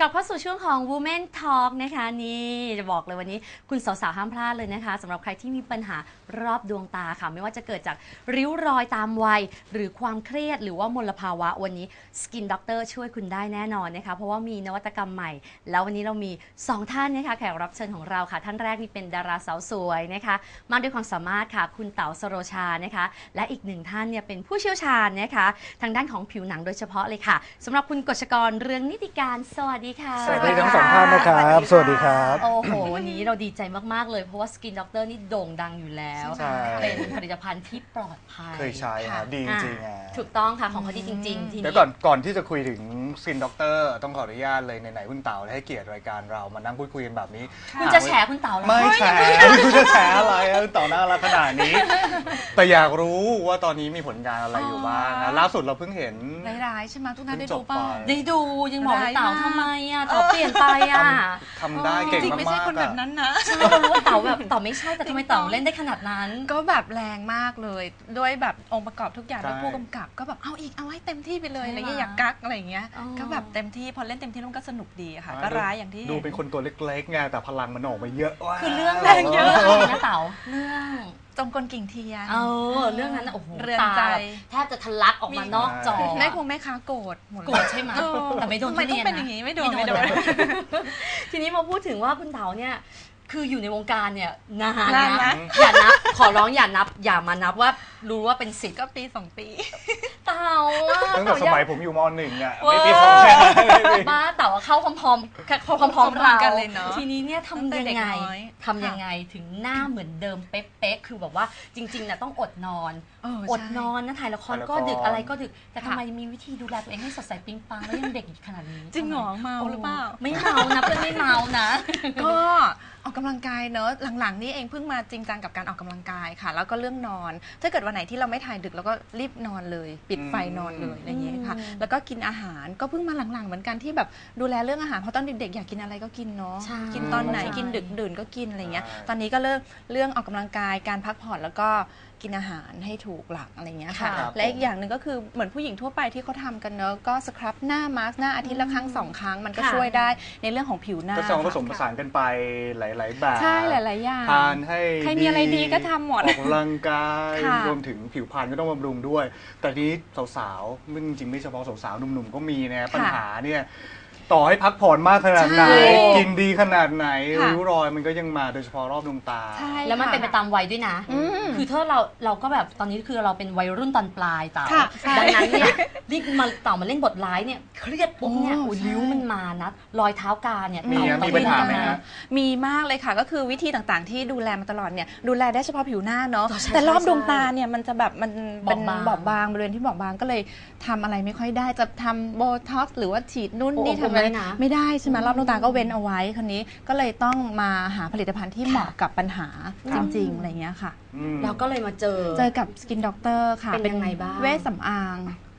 ลับเข้าสู่ช่วงของ Women Talk นะคะนี่จะบอกเลยวันนี้คุณสาวๆห้ามพลาดเลยนะคะสำหรับใครที่มีปัญหารอบดวงตาค่ะไม่ว่าจะเกิดจากริ้วรอยตามวัยหรือความเครียดหรือว่ามลภาวะวันนี้ Skin Doctor ช่วยคุณได้แน่นอนนะคะเพราะว่ามีนวัตกรรมใหม่แล้ววันนี้เรามี2ท่านนะคะแขกรับเชิญของเราค่ะท่านแรกนี่เป็นดาราสาวสวยนะคะมากด้วยความสามารถค่ะคุณเต๋าสโรชานะคะและอีกหนึ่งท่านเนี่ยเป็นผู้เชี่ยวชาญนะคะทางด้านของผิวหนังโดยเฉพาะเลยค่ะสำหรับคุณกฤษกรเรืองนิติการสวัสดีค่ะสวัสดีทั้งสองท่านนะครับสวัสดีครับโอ้โหวันนี้เราดีใจมากๆเลยเพราะว่า Skin Doctor นี่โด่งดังอยู่แล้วเป็นผลิตภัณฑ์ที่ปลอดภัยเคยใช้ครับดีจริงๆถูกต้องค่ะของเขาดีจริงๆทีนี้เดี๋ยวก่อนที่จะคุยถึง Skin Doctor ต้องขออนุญาตเลยไหนๆคุณเต๋าให้เกียรติรายการเรามานั่งพูดคุยกันแบบนี้คุณจะแฉคุณเต๋าไม่แฉคุณจะแฉอะไรคุณเต๋าน่ารักขนาดนี้แต่อยากรู้ว่าตอนนี้มีผลงานอะไรอยู่บ้างนะล่าสุดเราเพิ่งเห็นร้ายๆใช่ไหมทุกท่านได้ดูป่ะได้ดูยังบอกเต๋าทำไมอ่ะเต๋าเปลี่ยนไปอ่ะทำได้เก่งมากๆจริงไม่ใช่คนแบบนั้นนะใช่เรารู้ว่าเต๋าแบบเต๋าไม่ใช่แต่ทำไมเต๋าเล่นได้ขนาดนั้นก็แบบแรงมากเลยด้วยแบบองค์ประกอบทุกอย่างแล้วผู้กำกับก็แบบเอาอีกเอาให้เต็มที่ไปเลยอะไรเงี้ยอยากกักอะไรเงี้ยก็แบบเต็มที่พอเล่นเต็มที่มันก็สนุกดีค่ะก็ร้ายอย่างที่ดูเป็นคนตัวเล็กๆไงแต่พลังมันออกมาเยอะคือเรื่องแรงเยอะนะเต๋าเรื่องจงกลกิ่งเทียนเรื่องนั้นโอ้โหเรือนใจแทบจะทะลักออกมานอกจอแม่คงแม่ค้าโกรธโกรธใช่ไหมแต่ไม่โดนไม่ต้องเป็นอย่างนี้ไม่โดนทีนี้มาพูดถึงว่าคุณเต๋าเนี่ยคืออยู่ในวงการเนี่ยนานนะอย่านับขอร้องอย่านับอย่ามานับว่ารู้ว่าเป็น10 ก็ปี2 ปีเต๋าตั้งแต่สมัยผมอยู่ม.1อ่ะไม่ปี2แค่บ้าเต๋าเข้าพร้อมๆเราทีนี้เนี่ยทำยังไงถึงหน้าเหมือนเดิมเป๊ะๆคือแบบว่าจริงๆนะต้องอดนอนนะถ่ายละครก็ดึกอะไรก็ดึกแต่ทำไมมีวิธีดูแลตัวเองให้สดใสปิ๊งปังแล้วยังเด็กขนาดนี้จริงหรอเมาหรือเปล่าไม่เมานะเพื่อนไม่เมานะก็ออกกำลังกายเนอะหลังๆนี่เองเพิ่งมาจริงจังกับการออกกำลังกายค่ะแล้วก็เรื่องนอนถ้าเกิดวันไหนที่เราไม่ถ่ายดึกเราก็รีบนอนเลยปิดไฟนอนเลยอะไรอย่างเงี้ยค่ะแล้วก็กินอาหารก็เพิ่งมาหลังๆเหมือนกันที่แบบดูแลเรื่องอาหารเพราะตอนเด็กๆอยากกินอะไรก็กินเนาะกินตอนไหนกินดึกดื่นก็กินอะไรเงี้ยตอนนี้ก็เรื่องออกกำลังกายการพักผ่อนแล้วก็กินอาหารให้ถูกหลักอะไรเงี้ยค่ะและอีกอย่างหนึ่งก็คือเหมือนผู้หญิงทั่วไปที่เขาทำกันเนอะก็สครับหน้ามาสก์หน้าอาทิตย์ละครั้ง2 ครั้งมันก็ช่วยได้ในเรื่องของผิวหน้าก็ต้องผสมผสานกันไปหลายๆแบบใช่หลายๆอย่างทานให้ใครมีอะไรดีก็ทำหมดออกกำลังกายรวมถึงผิวพรรณก็ต้องบำรุงด้วยแต่นี้สาวๆจริงๆไม่เฉพาะสาวๆหนุ่มๆก็มีนะปัญหาเนี่ยต่อให้พักผ่อนมากขนาดไหนกินดีขนาดไหนริ้วรอยมันก็ยังมาโดยเฉพาะรอบดวงตาแล้วมันเป็นไปตามวัยด้วยนะคือถ้าเราก็แบบตอนนี้คือเราเป็นวัยรุ่นตอนปลายเต๋าดังนั้นเนี่ยรีบมาเต๋ามาเล่นบทร้ายเนี่ยเครียดปุ๊บเนี่ยริ้วมันมานะรอยเท้ากาเนี่ยมีปัญหาไหมฮะมีมากเลยค่ะก็คือวิธีต่างๆที่ดูแลมาตลอดเนี่ยดูแลได้เฉพาะผิวหน้าเนาะแต่รอบดวงตาเนี่ยมันจะแบบมันเป็นบอบบางบริเวณที่บอบบางก็เลยทำอะไรไม่ค่อยได้จะทำโบท็อกซ์หรือว่าฉีดนุ่นนี่ทำไม่ได้ใช่ไหมรอบดวงตาก็เว้นเอาไว้คนนี้ก็เลยต้องมาหาผลิตภัณฑ์ที่เหมาะกับปัญหาจริงๆอะไรเงี้ยค่ะเราก็เลยมาเจอกับ Skin Doctor ค่ะเป็นยังไงบ้างเวชสำอาง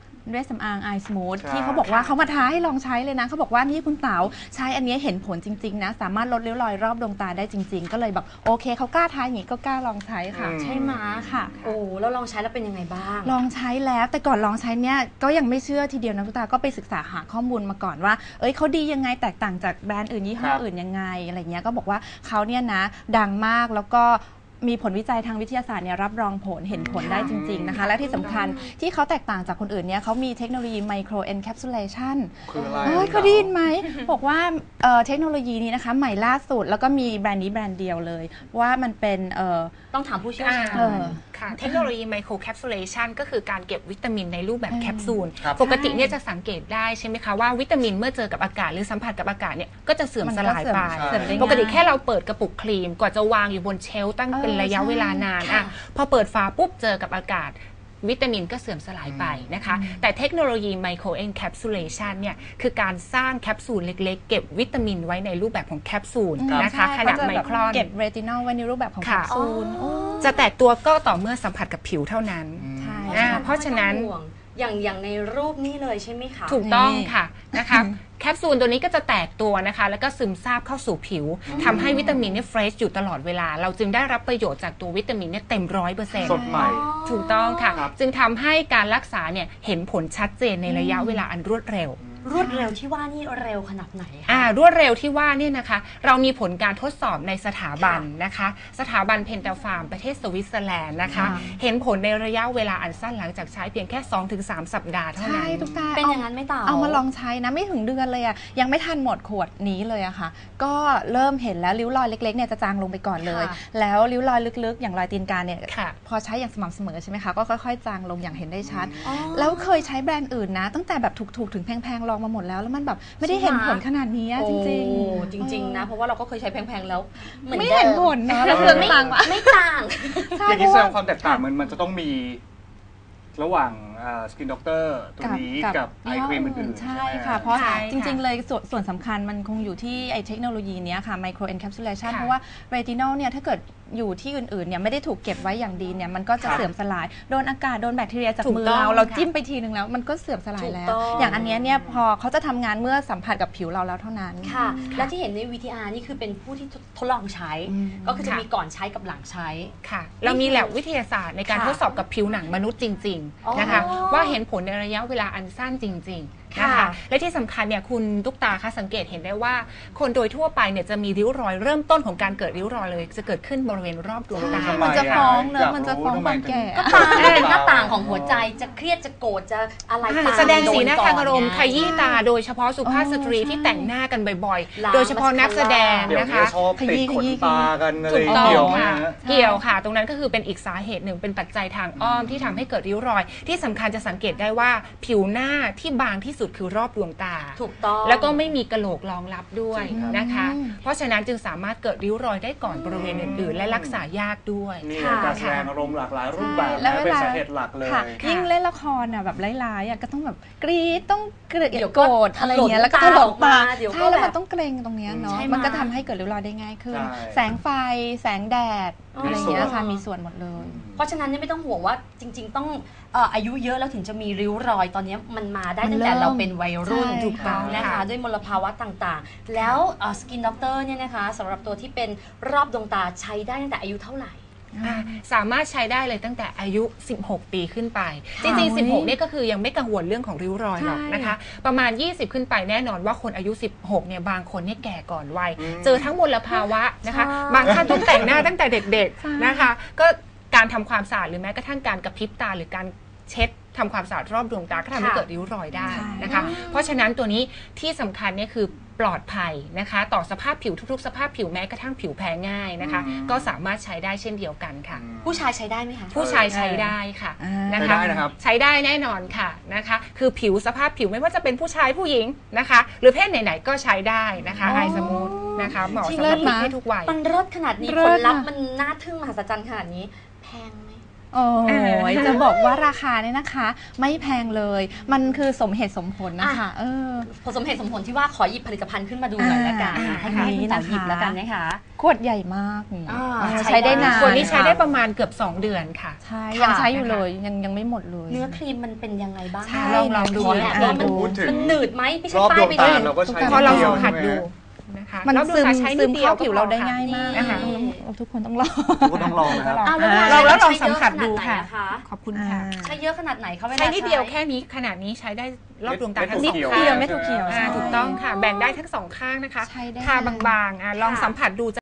Eye Smooth ที่เขาบอกว่าเขามาท้าให้ลองใช้เลยนะเขาบอกว่านี่คุณเต๋าใช้อันนี้เห็นผลจริงๆนะสามารถลดริ้วรอยรอบดวงตาได้จริงๆก็เลยแบบโอเคเขากล้าท้าอย่างนี้ก็กล้าลองใช้ค่ะใช่ไหมค่ะโอ้แล้วลองใช้แล้วเป็นยังไงบ้างลองใช้แล้วแต่ก่อนลองใช้เนี่ยก็ยังไม่เชื่อทีเดียวนะคุณตาก็ไปศึกษาหาข้อมูลมาก่อนว่าเขาดียังไงแตกต่างจากแบรนด์อื่นยี่ห้ออื่นยังไงอะไรเงี้ยก็บอกว่าเขาเนี่ยนะดังมากแล้วก็มีผลวิจัยทางวิทยาศาสตร์เนี่ยรับรองผลเห็นผลได้จริงๆนะคะและที่สำคัญที่เขาแตกต่างจากคนอื่นเนี่ยเขามีเทคโนโลยีไมโครเอนแคปซูลเลชันเขาได้ยินไหมบอกว่าเทคโนโลยีนี้นะคะใหม่ล่าสุดแล้วก็มีแบรนด์นี้แบรนด์เดียวเลยว่ามันเป็นต้องถามผู้เชี่ยวชาญค่ะเทคโนโลยีไมโครแคปซูลเลชันก็คือการเก็บวิตามินในรูปแบบแคปซูลปกติเนี่ยจะสังเกตได้ใช่ไหมคะว่าวิตามินเมื่อเจอกับอากาศหรือสัมผัสกับอากาศเนี่ยก็จะเสื่อมสลายไปปกติแค่เราเปิดกระปุกครีมกว่าจะวางอยู่บนเชลฟ์ตั้งเป็นระยะเวลานานพอเปิดฝาปุ๊บเจอกับอากาศวิตามินก็เสื่อมสลายไปนะคะแต่เทคโนโลยีไมโครเอนแคปซูลเลชันเนี่ยคือการสร้างแคปซูลเล็กๆเก็บวิตามินไว้ในรูปแบบของแคปซูลนะคะขนาดไมครอนเก็บเรตินอลไว้ในรูปแบบของแคปซูลจะแตกตัวก็ต่อเมื่อสัมผัสกับผิวเท่านั้นเพราะฉะนั้นอย่างในรูปนี้เลยใช่ไหมคะถูกต้องค่ะนะคะแคปซูลตัวนี้ก็จะแตกตัวนะคะแล้วก็ซึมซาบเข้าสู่ผิวทำให้วิตามินเนี่ยเฟรชอยู่ตลอดเวลาเราจึงได้รับประโยชน์จากตัววิตามินเนี่ยเต็ม100% สดใหม่ถูกต้องค่ะจึงทำให้การรักษาเนี่ยเห็นผลชัดเจนในระยะเวลาอันรวดเร็วรวดเร็วที่ว่านี่เร็วขนาดไหนคะรวดเร็วที่ว่าเนี่ยนะคะเรามีผลการทดสอบในสถาบันนะคะสถาบันเพนตาฟาร์มประเทศสวิตเซอร์แลนด์นะคะ เห็นผลในระยะเวลาอันสั้นหลังจากใช้เพียงแค่ 2-3 สัปดาห์เท่านั้นใช่ทุกตาเป็นอย่างนั้นไหม่ต่อเอามาลองใช้นะไม่ถึงเดือนเลยอะยังไม่ทันหมดขวดนี้เลยอะค่ะ ก็เริ่มเห็นแล้วริ้วรอยเล็กๆเนี่ยจะจางลงไปก่อนเลยค่ะแล้วริ้วรอยลึกๆ อย่างรอยตีนกาเนี่ยค่ะพอใช้อย่างสม่ำเสมอใช่ไหมคะก็ค่อยๆจางลงอย่างเห็นได้ชัดอ๋อแล้วเคยใช้แบรนด์อื่นนะ ตั้งแต่แบบถูกๆถึงแพงๆลองมาหมดแล้วแล้วมันแบบไม่ได้เห็นผลขนาดนี้อะจริงโอ้ๆจริง ๆ นะ เพราะว่าเราก็เคยใช้แพงๆแล้วเหมือนไม่เห็นผลเนอะแล้แล้ว วคือไม่ต่างวะไม่ต่างใช่อย่างเพนี้ราะแสดว่างความแตกต่างมันจะต้องมีระหว่างสกินด็อกเตอร์ตัวนี้กับไอครีมอื่นๆใช่ไหมค่ะ เพราะใช่จริง ๆ เลยส่วนสำคัญมันคงอยู่ที่ไอเทคโนโลยีเนี้ยค่ะ micro encapsulation ค่ะเพราะว่าเรตินอลเนี่ยถ้าเกิดอยู่ที่อื่นๆเนี่ยไม่ได้ถูกเก็บไว้อย่างดีเนี่ยมันก็จะค่ะเสื่อมสลาย โดนอากาศโดนแบคทีเรียจากถูกมือต้องเราค่ะจิ้มไปทีนึงแล้วมันก็เสื่อมสลายแล้วถูกต้องอย่างอันเนี้ยเนี่ยพอเขาจะทำงานเมื่อสัมผัสกับผิวเราแล้วเท่านั้นค่ะ และที่เห็นใน VTR นี่คือเป็นผู้ที่ทดลองใช้อืมก็คือจะค่ะมีก่อนใช้กับหลังใช้ค่ะเรามีแลบวิทยาศาสตร์ในการค่ะทดสอบกับผิวหนังมนุษย์จริงอ๋อๆนะคะว่าเห็นผลในระยะเวลาอันสั้นจริงๆนะคะค่ะและที่สำคัญเนี่ยคุณตุ๊กตาคะสังเกตเห็นได้ว่า คนโดยทั่วไปเนี่ยจะมีริ้วรอยเริ่มต้นของการเกิดริ้วรอยเลย จะเกิดขึ้นบริเวณรอบดวงตาทำไมันจะฟ้องเนอะยากรู้มันจะฟ้องทำไมความแก่ก็ตาเป็นหน้าต่างของหัวใจจะเครียดจะโกรธจะอะไรตามแสดงสีหน้าทางอารมณ์โดนขก่อนไงยี้ตาโดยเฉพาะสุภาพสตรีอ๋อที่แต่งหน้ากันบ่อยล้างๆ โดยเฉพาะนักแสดงเดี๋ยวนะนี้คะชอบติดขนตากันอะไรถูกต้องเกี่ยวไหมค่ะฮะเกี่ยวค่ะ ตรงนั้นก็คือเป็นอีกสาเหตุหนึ่งเป็นปัจจัยทางอ้อมที่ทำให้เกิดริ้วรอย ที่สำคัญจะสังเกตได้ว่าผิวหน้าที่บางที่สุดคือรอบดวงตาถูกต้องแล้วก็ไม่มีกะโหลกรองรับด้วยจริงครับนะคะ เพราะฉะนั้นจึงสามารถเกิดริ้วรอยได้ก่อนบริเวณอื่นๆ และรักษายากด้วยนี่ค่ะการแสดงอารมณ์หลากหลายรูปแบบแล้วนะเวเป็นลาสาเหตุหลักเลยค่ะค่ะยิ่งเล่นละครอ่ะแบบร้ายๆอ่ะก็ต้องแบบกรี๊ดต้องเกลีเดี๋ยยวดก็โกรธอะไรอย่างเงี้ยแล้วก็ถถลลกกตาตาเดี๋ยวก็ใช่แล้วแบบมันต้องเกรงตรงเนี้ยเนาะใช่ไหมมันก็ทำให้เกิดริ้วรอยได้ง่ายขึ้นใช่แสงไฟแสงแดดอ๋อออะไรอย่างเงี้ยค่ะมีส่วนหมดเลยเพราะฉะนั้นเนี่ยไม่ต้องห่วงว่าจริง ๆ ต้องอายุเยอะแล้วถึงจะมีริ้วรอยตอนนี้มันมาได้ตั้งแต่เราเป็นวัยรุ่นใช่ถูกต้องนะคะค่ะด้วยมลภาวะต่างๆ แล้วสกินด็อกเตอร์เนี่ยนะคะสำหรับตัวที่เป็นรอบดวงตาใช้ได้ตั้งแต่อายุเท่าไหร่สามารถใช้ได้เลยตั้งแต่อายุ 16 ปีขึ้นไป จค่ะริงๆ 16 เนี่ยก็คือยังไม่กังวลเรื่องของริ้วรอยหรอกนะคะ ประมาณ 20 ขึ้นไปแน่นอนว่าคนอายุ 16 เนี่ยบางคนเนี่ยแก่ก่อนวัย เจอทั้งมลภาวะนะคะใช่บางท่านต้องแต่งหน้าตั้งแต่เด็กๆนะคะ ก็การทำความสะอาดหรือแม้กระทั่งการกระพริบตาหรือการเช็ดทำความสะอาดรอบดวงตาก็ทำให้เกิดริ้วรอยได้นะคะ เพราะฉะนั้นตัวนี้ที่สำคัญเนี่ยคือปลอดภัยนะคะ ต่อสภาพผิวทุกๆ สภาพผิวแม้กระทั่งผิวแพ้ง่ายนะคะ ก็สามารถใช้ได้เช่นเดียวกันค่ะผู้ชายใช้ได้ไหมคะผู้ชายใช้ได้ค่ะอ่านนะใช้คะได้นะครับใช้ได้แน่นอนค่ะนะคะ คือผิวสภาพผิวไม่ว่าจะเป็นผู้ชายผู้หญิงนะคะ หรือเพศไหนๆก็ใช้ได้นะคะไอสมูทนะคะเหมาะจริงสำหรับเลิศนะเพศทุกวัยมันเลิศขนาดนี้เลิผศลลัพธ์อะมันน่าทึ่งมหัศจรรย์ขนาดนี้ แพงไหมโอ้ยจะบอกว่าราคาเนี่ยนะคะ ไม่แพงเลย มันคือสมเหตุสมผลนะคะผสมเหตุสมผลที่ว่าขอหยิบผลิตภัณฑ์ขึ้นมาดูหน่อยละกันอ่าให้คุณต่อหยิบแล้วกันนะคะขวดใหญ่มากนี่อ่าใช้ได้นานตัวนี้ใช้ได้ประมาณเกือบ 2 เดือนค่ะใช่ค่ะยังใช้อยู่เลยยังไม่หมดเลยเนื้อครีมมันเป็นยังไงบ้างใช่ลองดูขอแอบว่ามันพูดถึงมันหนืดไหมไม่ใช่รอบป้าดยวงไปตาเลยเราก็ใช้พอเรานิดดียวสัมผัสใช่ไหดูมนะคะมันแล้วดูซึมค่ะใช้นิซึดมดียเข้าผิวเราได้ง่ายมากนะคะทุกคนต้องลองก็ต้องลองนะครับอ้าวแล้วเราแล้วลองใช้สัมเยอะผัสขนาดูไหนค่ะอคะขอบคุณค่ะใช้เยอะขนาดไหนคะเวลาใช้นิดเดียวแค่นี้ขนาดนี้ใช้ได้รอบดวงตาทั้งเม็สดองเขียวข้างเม็ดถั่วเขียวถูกต้องค่ะ แบ่งได้ทั้งสองข้างนะคะใช้ได้ทาบางๆลองสัมผัสดู